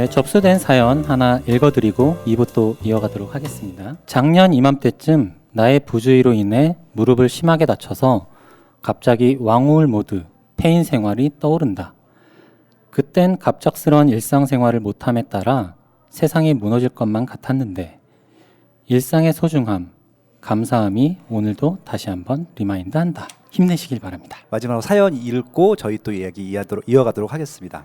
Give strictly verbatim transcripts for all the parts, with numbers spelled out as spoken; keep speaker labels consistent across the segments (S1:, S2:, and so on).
S1: 네, 접수된 사연 하나 읽어드리고 이 부 또 이어가도록 하겠습니다. 작년 이맘때쯤 나의 부주의로 인해 무릎을 심하게 다쳐서 갑자기 왕우울 모드 폐인 생활이 떠오른다. 그땐 갑작스러운 일상생활을 못함에 따라 세상이 무너질 것만 같았는데 일상의 소중함, 감사함이 오늘도 다시 한번 리마인드한다. 힘내시길 바랍니다.
S2: 마지막으로 사연 읽고 저희 또 이야기 이어가도록, 이어가도록 하겠습니다.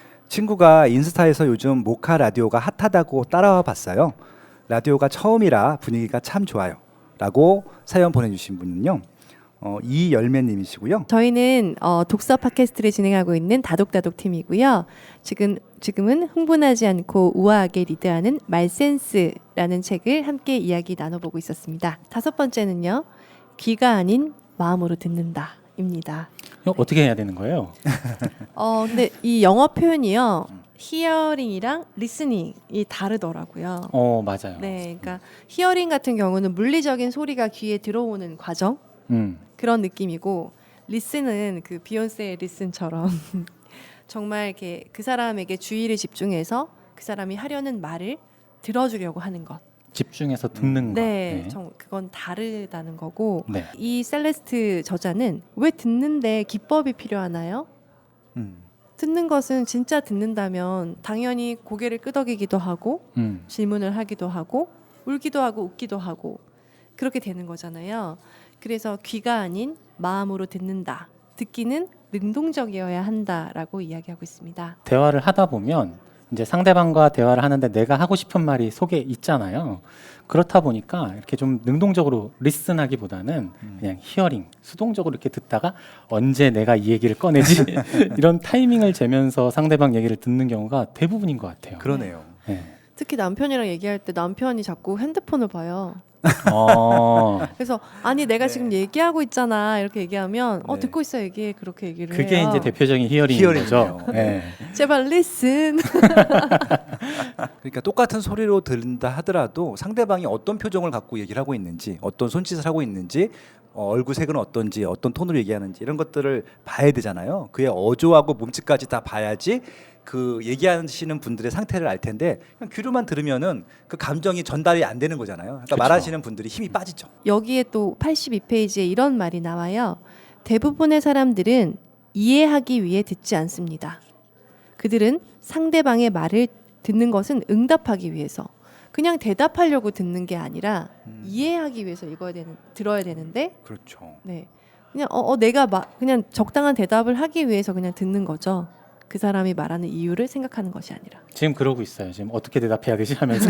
S2: 친구가 인스타에서 요즘 모카 라디오가 핫하다고 따라와 봤어요. 라디오가 처음이라 분위기가 참 좋아요 라고 사연 보내주신 분은요 어, 이열매님이시고요.
S3: 저희는 어, 독서 팟캐스트를 진행하고 있는 다독다독 팀이고요. 지금, 지금은 흥분하지 않고 우아하게 리드하는 말센스라는 책을 함께 이야기 나눠보고 있었습니다. 다섯 번째는요. 귀가 아닌 마음으로 듣는다 입니다.
S1: 이거 어떻게 해야 되는 거예요?
S3: 어, 근데 이 영어 표현이요. 히어링이랑 리스닝이 다르더라고요.
S1: 어, 맞아요.
S3: 네, 그러니까 히어링 같은 경우는 물리적인 소리가 귀에 들어오는 과정
S1: 음.
S3: 그런 느낌이고 리슨은 그 비욘세의 리슨처럼 정말 이렇게 그 사람에게 주의를 집중해서 그 사람이 하려는 말을 들어주려고 하는 것.
S1: 집중해서 듣는 거.
S3: 네, 정, 그건 다르다는 거고
S1: 네.
S3: 이 셀레스트 저자는 왜 듣는데 기법이 필요하나요?
S2: 음.
S3: 듣는 것은 진짜 듣는다면 당연히 고개를 끄덕이기도 하고
S1: 음.
S3: 질문을 하기도 하고 울기도 하고 웃기도 하고 그렇게 되는 거잖아요. 그래서 귀가 아닌 마음으로 듣는다. 듣기는 능동적이어야 한다라고 이야기하고 있습니다.
S1: 대화를 하다 보면 이제 상대방과 대화를 하는데 내가 하고 싶은 말이 속에 있잖아요. 그렇다 보니까 이렇게 좀 능동적으로 리슨하기보다는
S2: 음.
S1: 그냥 히어링, 수동적으로 이렇게 듣다가 언제 내가 이 얘기를 꺼내지 이런 타이밍을 재면서 상대방 얘기를 듣는 경우가 대부분인 것 같아요.
S2: 그러네요.
S1: 네.
S3: 특히 남편이랑 얘기할 때 남편이 자꾸 핸드폰을 봐요.
S1: 어,
S3: 그래서 아니 내가
S2: 네.
S3: 지금 얘기하고 있잖아 이렇게 얘기하면 어
S2: 네.
S3: 듣고 있어 얘기해 그렇게 얘기를
S1: 그게
S3: 해요.
S1: 이제 대표적인 히어링인
S2: 히어링이네요.
S1: 거죠. 네.
S3: 제발 listen.
S2: 그러니까 똑같은 소리로 들린다 하더라도 상대방이 어떤 표정을 갖고 얘기를 하고 있는지, 어떤 손짓을 하고 있는지, 어, 얼굴 색은 어떤지, 어떤 톤으로 얘기하는지 이런 것들을 봐야 되잖아요. 그의 어조하고 몸짓까지 다 봐야지 그 얘기하시는 분들의 상태를 알 텐데 그냥 귀로만 들으면은 그 감정이 전달이 안 되는 거잖아요. 그러니까
S1: 그쵸.
S2: 말하시는 분들이 힘이 빠지죠.
S3: 여기에 또 팔십이 페이지에 이런 말이 나와요. 대부분의 사람들은 이해하기 위해 듣지 않습니다. 그들은 상대방의 말을 듣는 것은 응답하기 위해서 그냥 대답하려고 듣는 게 아니라
S2: 음.
S3: 이해하기 위해서 읽어야 되는 들어야 되는데
S2: 그렇죠.
S3: 네 그냥 어, 어 내가 마, 그냥 적당한 대답을 하기 위해서 그냥 듣는 거죠. 그 사람이 말하는 이유를 생각하는 것이 아니라.
S1: 지금 그러고 있어요. 지금 어떻게 대답해야 되지 하면서.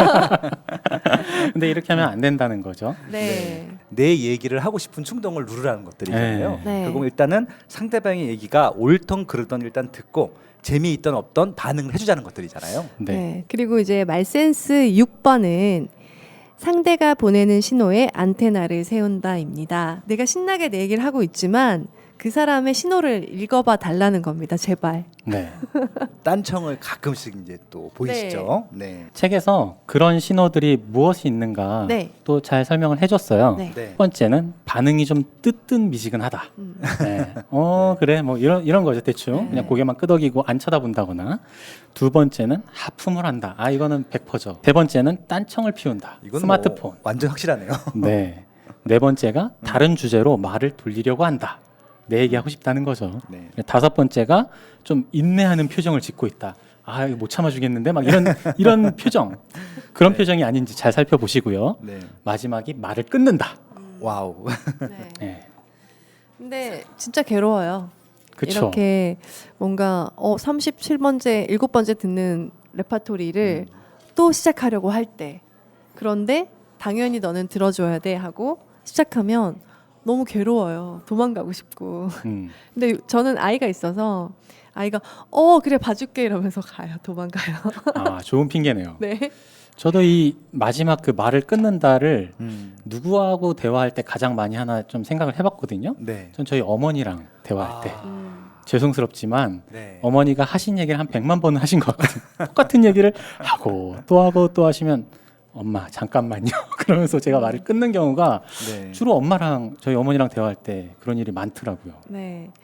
S1: 근데 이렇게 하면 안 된다는 거죠.
S3: 네.
S2: 내 얘기를 하고 싶은 충동을 누르라는 것들이잖아요.
S3: 네. 네.
S2: 결국 일단은 상대방의 얘기가 옳던 그르던 일단 듣고 재미있던 없던 반응을 해주자는 것들이잖아요.
S1: 네.
S3: 네. 그리고 이제 말센스 육 번은 상대가 보내는 신호에 안테나를 세운다입니다. 내가 신나게 내 얘기를 하고 있지만 그 사람의 신호를 읽어봐 달라는 겁니다. 제발.
S1: 네.
S2: 딴청을 가끔씩 이제 또 보이시죠. 네.
S1: 책에서 그런 신호들이 무엇이 있는가
S3: 네.
S1: 또 잘 설명을 해줬어요.
S3: 네.
S2: 네.
S1: 첫 번째는 반응이 좀 뜨뜻미지근하다.
S3: 음.
S1: 네. 어 그래 뭐 이런 이런 거죠 대충
S3: 네.
S1: 그냥 고개만 끄덕이고 안 쳐다본다거나. 두 번째는 하품을 한다. 아 이거는 백 퍼센트죠. 세 번째는 딴청을 피운다.
S2: 이건
S1: 스마트폰.
S2: 뭐 완전 확실하네요.
S1: 네. 네 번째가 다른 주제로 말을 돌리려고 한다. 내 얘기하고 싶다는 거죠.
S2: 네.
S1: 다섯 번째가 좀 인내하는 표정을 짓고 있다. 아, 이거 못 참아주겠는데 막 이런 이런 표정. 그런
S2: 네.
S1: 표정이 아닌지 잘 살펴보시고요.
S2: 네.
S1: 마지막이 말을 끊는다.
S2: 와우.
S3: 네.
S1: 네.
S3: 근데 진짜 괴로워요.
S1: 그쵸.
S3: 이렇게 뭔가 어 삼십칠 번째, 일곱 번째 듣는 레파토리를
S2: 음.
S3: 또 시작하려고 할 때 그런데 당연히 너는 들어줘야 돼 하고 시작하면 너무 괴로워요. 도망가고 싶고.
S1: 음.
S3: 근데 저는 아이가 있어서 아이가 어 그래 봐줄게 이러면서 가요. 도망가요.
S1: 아, 좋은 핑계네요.
S3: 네.
S1: 저도 이 마지막 그 말을 끊는다를
S2: 음.
S1: 누구하고 대화할 때 가장 많이 하나 좀 생각을 해봤거든요.
S2: 네.
S1: 전 저희 어머니랑 대화할 때.
S2: 아.
S3: 음.
S1: 죄송스럽지만
S2: 네.
S1: 어머니가 하신 얘기를 한 백만 번은 하신 것 같아요. 똑같은 얘기를 하고 또 하고 또 하시면 엄마 잠깐만요. 그러면서 제가 말을 끊는 경우가
S2: 네.
S1: 주로 엄마랑 저희 어머니랑 대화할 때 그런 일이 많더라고요.
S3: 네.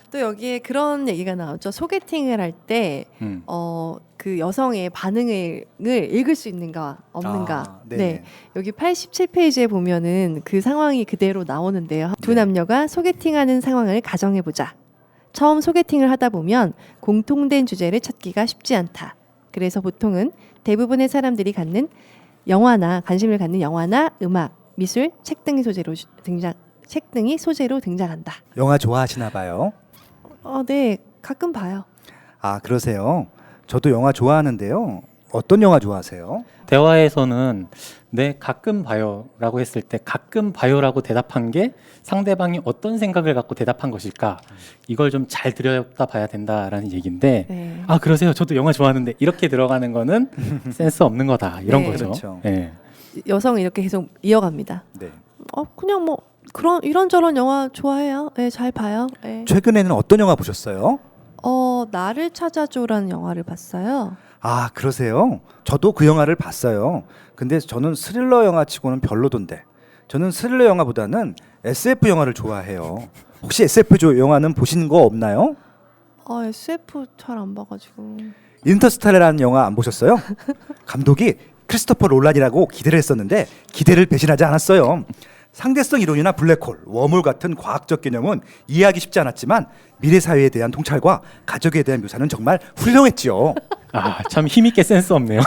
S3: 또 여기에 그런 얘기가 나오죠. 소개팅을 할 때
S1: 음.
S3: 어, 그 여성의 반응을 읽을 수 있는가 없는가.
S2: 아, 네네.
S3: 네. 여기 팔십칠 페이지에 보면은 그 상황이 그대로 나오는데요. 두
S2: 네.
S3: 남녀가 소개팅하는 상황을 가정해 보자. 처음 소개팅을 하다 보면 공통된 주제를 찾기가 쉽지 않다. 그래서 보통은 대부분의 사람들이 갖는 영화나 관심을 갖는 영화나 음악, 미술, 책 등이 소재로 주- 등장 책 등이 소재로 등장한다.
S2: 영화 좋아하시나 봐요.
S3: 어, 네. 가끔 봐요.
S2: 아, 그러세요. 저도 영화 좋아하는데요. 어떤 영화 좋아하세요?
S1: 대화에서는 네 가끔 봐요라고 했을 때 가끔 봐요라고 대답한 게 상대방이 어떤 생각을 갖고 대답한 것일까 이걸 좀 잘 들여다봐야 된다라는 얘기인데
S3: 네.
S1: 아 그러세요 저도 영화 좋아하는데 이렇게 들어가는 거는 센스 없는 거다 이런
S3: 네.
S1: 거죠.
S2: 그렇죠.
S1: 예.
S3: 여성은 이렇게 계속 이어갑니다.
S2: 네.
S3: 어, 그냥 뭐 그런 이런저런 영화 좋아해요. 네, 잘 봐요. 네.
S2: 최근에는 어떤 영화 보셨어요?
S3: 어, 나를 찾아줘라는 영화를 봤어요.
S2: 아, 그러세요? 저도 그 영화를 봤어요. 근데 저는 스릴러 영화 치고는 별로던데. 저는 스릴러 영화보다는 에스에프 영화를 좋아해요. 혹시 에스에프 조- 영화는 보신 거 없나요?
S3: 아, 에스에프 잘 안 봐가지고.
S2: 인터스텔라라는 영화 안 보셨어요? 감독이 크리스토퍼 롤란이라고 기대를 했었는데 기대를 배신하지 않았어요. 상대성 이론이나 블랙홀, 웜홀 같은 과학적 개념은 이해하기 쉽지 않았지만 미래 사회에 대한 통찰과 가족에 대한 묘사는 정말 훌륭했지요.
S1: 아참 힘있게 센스 없네요.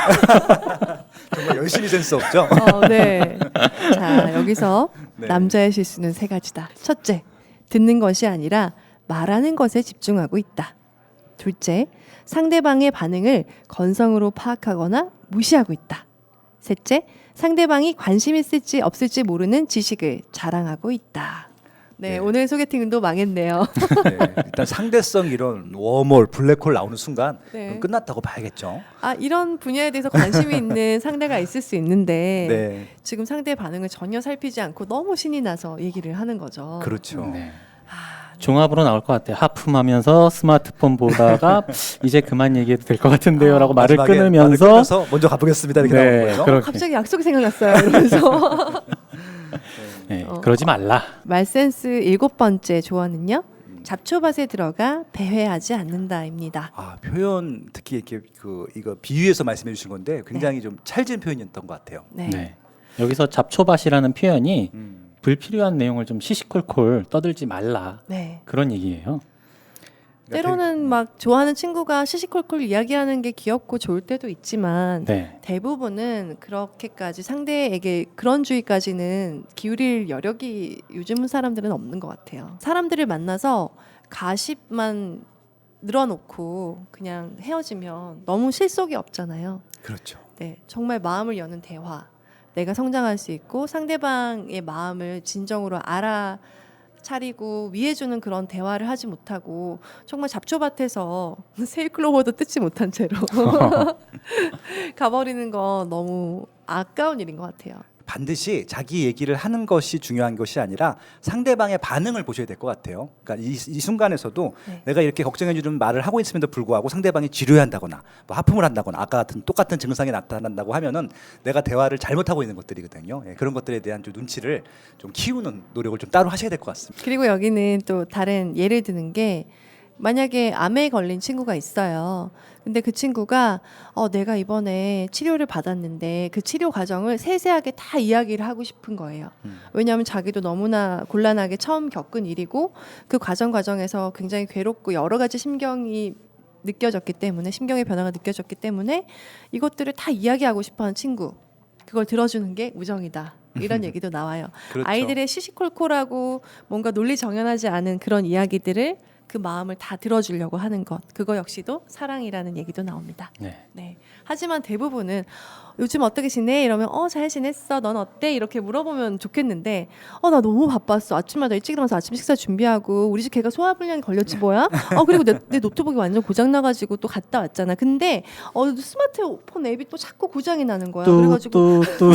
S2: 정말 열심히 센스 없죠?
S3: 어, 네. 자, 여기서
S2: 네.
S3: 남자의 실수는 세 가지다. 첫째, 듣는 것이 아니라 말하는 것에 집중하고 있다. 둘째, 상대방의 반응을 건성으로 파악하거나 무시하고 있다. 셋째, 상대방이 관심 있을지 없을지 모르는 지식을 자랑하고 있다. 네,
S2: 네.
S3: 오늘 소개팅도 망했네요.
S2: 네, 일단 상대성 이론, 웜홀, 블랙홀 나오는 순간
S3: 네.
S2: 그럼 끝났다고 봐야겠죠.
S3: 아, 이런 분야에 대해서 관심이 있는 상대가 있을 수 있는데
S2: 네,
S3: 지금 상대의 반응을 전혀 살피지 않고 너무 신이 나서 얘기를 하는 거죠.
S2: 그렇죠.
S1: 네.
S3: 아,
S1: 종합으로 나올 것 같아요. 하품하면서 스마트폰 보다가 이제 그만 얘기해도 될 것 같은데요라고
S3: 아,
S1: 말을
S2: 마지막에
S1: 끊으면서
S2: 말을 끊어서 먼저 가보겠습니다 이렇게
S1: 네,
S2: 나오는 거예요.
S1: 그렇게.
S3: 갑자기 약속이 생각났어요. 이러면서
S1: 네,
S3: 어.
S1: 그러지 말라.
S3: 말센스 일곱 번째 조언은요. 잡초밭에 들어가 배회하지 않는다입니다.
S2: 아, 표현 특히 이렇게 그 이거 비유해서 말씀해 주신 건데 굉장히 좀 찰진 표현이었던 것 같아요.
S3: 네.
S1: 네. 여기서 잡초밭이라는 표현이
S2: 음.
S1: 불필요한 내용을 좀 시시콜콜 떠들지 말라
S3: 네.
S1: 그런 얘기예요.
S2: 그러니까
S3: 때로는 막 좋아하는 친구가 시시콜콜 이야기하는 게 귀엽고 좋을 때도 있지만
S1: 네,
S3: 대부분은 그렇게까지 상대에게 그런 주의까지는 기울일 여력이 요즘 사람들은 없는 것 같아요. 사람들을 만나서 가십만 늘어놓고 그냥 헤어지면 너무 실속이 없잖아요.
S2: 그렇죠.
S3: 네, 정말 마음을 여는 대화, 내가 성장할 수 있고 상대방의 마음을 진정으로 알아차리고 위해주는 그런 대화를 하지 못하고 정말 잡초밭에서 세일클로버도 뜯지 못한 채로 가버리는 건 너무 아까운 일인 것 같아요.
S2: 반드시 자기 얘기를 하는 것이 중요한 것이 아니라 상대방의 반응을 보셔야 될 것 같아요. 그러니까 이, 이 순간에서도
S3: 네.
S2: 내가 이렇게 걱정해 주는 말을 하고 있음에도 불구하고 상대방이 지루해한다거나 뭐 하품을 한다거나 아까 같은 똑같은 증상이 나타난다고 하면은 내가 대화를 잘못하고 있는 것들이거든요. 예, 그런 것들에 대한 좀 눈치를 좀 키우는 노력을 좀 따로 하셔야 될 것 같습니다.
S3: 그리고 여기는 또 다른 예를 드는 게 만약에 암에 걸린 친구가 있어요. 근데 그 친구가 어, 내가 이번에 치료를 받았는데 그 치료 과정을 세세하게 다 이야기를 하고 싶은 거예요.
S2: 음.
S3: 왜냐하면 자기도 너무나 곤란하게 처음 겪은 일이고 그 과정 과정에서 굉장히 괴롭고 여러 가지 심경이 느껴졌기 때문에 심경의 변화가 느껴졌기 때문에 이것들을 다 이야기하고 싶어하는 친구 그걸 들어주는 게 우정이다. 이런 얘기도 나와요.
S2: 그렇죠.
S3: 아이들의 시시콜콜하고 뭔가 논리 정연하지 않은 그런 이야기들을 그 마음을 다 들어주려고 하는 것 그거 역시도 사랑이라는 얘기도 나옵니다.
S1: 네.
S3: 네. 하지만 대부분은 요즘 어떻게 지내? 이러면 어 잘 지냈어. 넌 어때? 이렇게 물어보면 좋겠는데 어 나 너무 바빴어. 아침마다 일찍 일어나서 아침 식사 준비하고 우리 집 개가 소화불량이 걸렸지 뭐야? 어 그리고 내, 내 노트북이 완전 고장 나가지고 또 갔다 왔잖아. 근데 어 스마트폰 앱이 또 자꾸 고장이 나는 거야. 그래가지고
S1: 또또또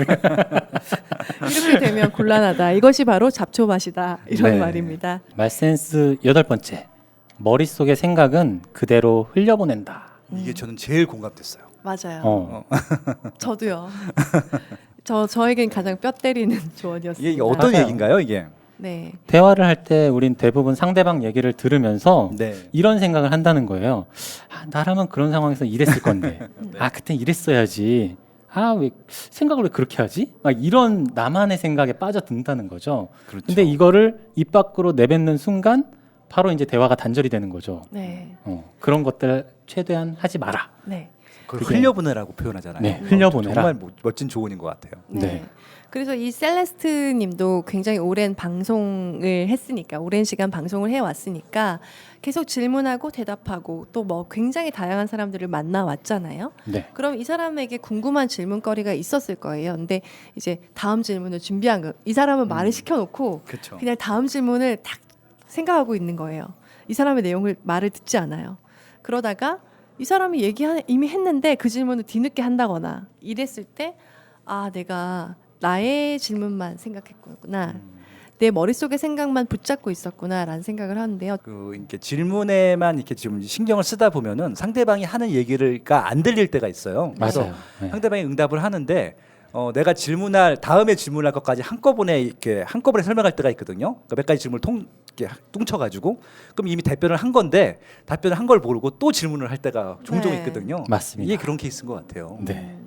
S3: 이렇게 되면 곤란하다. 이것이 바로 잡초밭이다. 이런
S1: 네.
S3: 말입니다.
S1: 말센스 여덟 번째. 머릿속의 생각은 그대로 흘려보낸다.
S2: 이게 저는 제일 공감됐어요.
S3: 맞아요.
S1: 어.
S3: 저도요. 저 저에겐 가장 뼈 때리는 조언이었습니다.
S2: 이게, 이게 어떤
S1: 맞아요.
S2: 얘기인가요, 이게?
S3: 네.
S1: 대화를 할 때 우린 대부분 상대방 얘기를 들으면서
S2: 네.
S1: 이런 생각을 한다는 거예요. 아, 나라면 그런 상황에서 이랬을 건데.
S2: 네.
S1: 아, 그땐 이랬어야지. 아, 왜 생각을 왜 그렇게 하지? 막 이런 나만의 생각에 빠져든다는 거죠.
S2: 그렇죠.
S1: 근데 이거를 입 밖으로 내뱉는 순간 바로 이제 대화가 단절이 되는 거죠.
S3: 네.
S1: 어, 그런 것들 최대한 하지 마라.
S3: 네.
S2: 그걸
S1: 그게-
S2: 흘려보내라고 표현하잖아요.
S1: 네,
S2: 어,
S1: 흘려보내라.
S2: 정말 모- 멋진 조언인 것 같아요.
S3: 네.
S1: 네.
S3: 그래서 이 셀레스트 님도 굉장히 오랜 방송을 했으니까 오랜 시간 방송을 해 왔으니까 계속 질문하고 대답하고 또 뭐 굉장히 다양한 사람들을 만나 왔잖아요.
S1: 네.
S3: 그럼 이 사람에게 궁금한 질문거리가 있었을 거예요. 근데 이제 다음 질문을 준비한 거. 이 사람은 말을 시켜 놓고
S2: 그렇죠.
S3: 그냥 다음 질문을 딱 생각하고 있는 거예요. 이 사람의 내용을 말을 듣지 않아요. 그러다가 이 사람이 얘기 이미 했는데 그 질문을 뒤늦게 한다거나 이랬을 때 아 내가 나의 질문만 생각했구나.
S2: 음.
S3: 내 머릿속의 생각만 붙잡고 있었구나라는 생각을 하는데요.
S2: 그 이렇게 질문에만 이렇게 좀 신경을 쓰다 보면은 상대방이 하는 얘기가 안 들릴 때가 있어요. 그래서
S1: 맞아요. 네.
S2: 상대방이 응답을 하는데 어, 내가 질문할 다음에 질문할 것까지 한꺼번에 이렇게 한꺼번에 설명할 때가 있거든요. 그러니까 몇 가지 질문을 통 이렇게 뚱쳐가지고 그럼 이미 답변을 한 건데 답변을 한 걸 모르고 또 질문을 할 때가 종종
S3: 네.
S2: 있거든요.
S1: 맞습니다.
S2: 이게 그런 케이스인 것 같아요.
S1: 네.
S3: 음.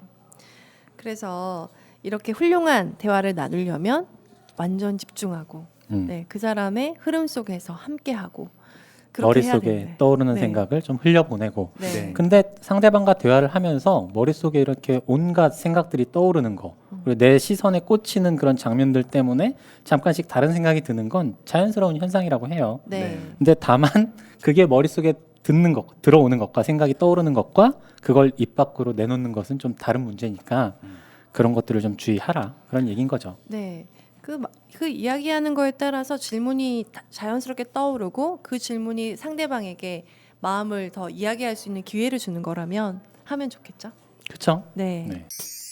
S3: 그래서 이렇게 훌륭한 대화를 나누려면 완전 집중하고
S1: 음.
S3: 네, 그 사람의 흐름 속에서 함께하고 그렇게 해야
S1: 머릿속에
S3: 되는데.
S1: 떠오르는
S3: 네.
S1: 생각을 좀 흘려보내고
S3: 네.
S2: 네.
S1: 근데 상대방과 대화를 하면서 머릿속에 이렇게 온갖 생각들이 떠오르는 거
S3: 음.
S1: 그리고 내 시선에 꽂히는 그런 장면들 때문에 잠깐씩 다른 생각이 드는 건 자연스러운 현상이라고 해요.
S3: 네.
S2: 네.
S1: 근데 다만 그게 머릿속에 듣는 것, 들어오는 것과 생각이 떠오르는 것과 그걸 입 밖으로 내놓는 것은 좀 다른 문제니까
S2: 음.
S1: 그런 것들을 좀 주의하라 그런 얘기인 거죠.
S3: 네. 그, 마- 그 이야기하는 거에 따라서 질문이 다- 자연스럽게 떠오르고 그 질문이 상대방에게 마음을 더 이야기할 수 있는 기회를 주는 거라면 하면 좋겠죠.
S1: 그렇죠?
S3: 네.
S1: 네.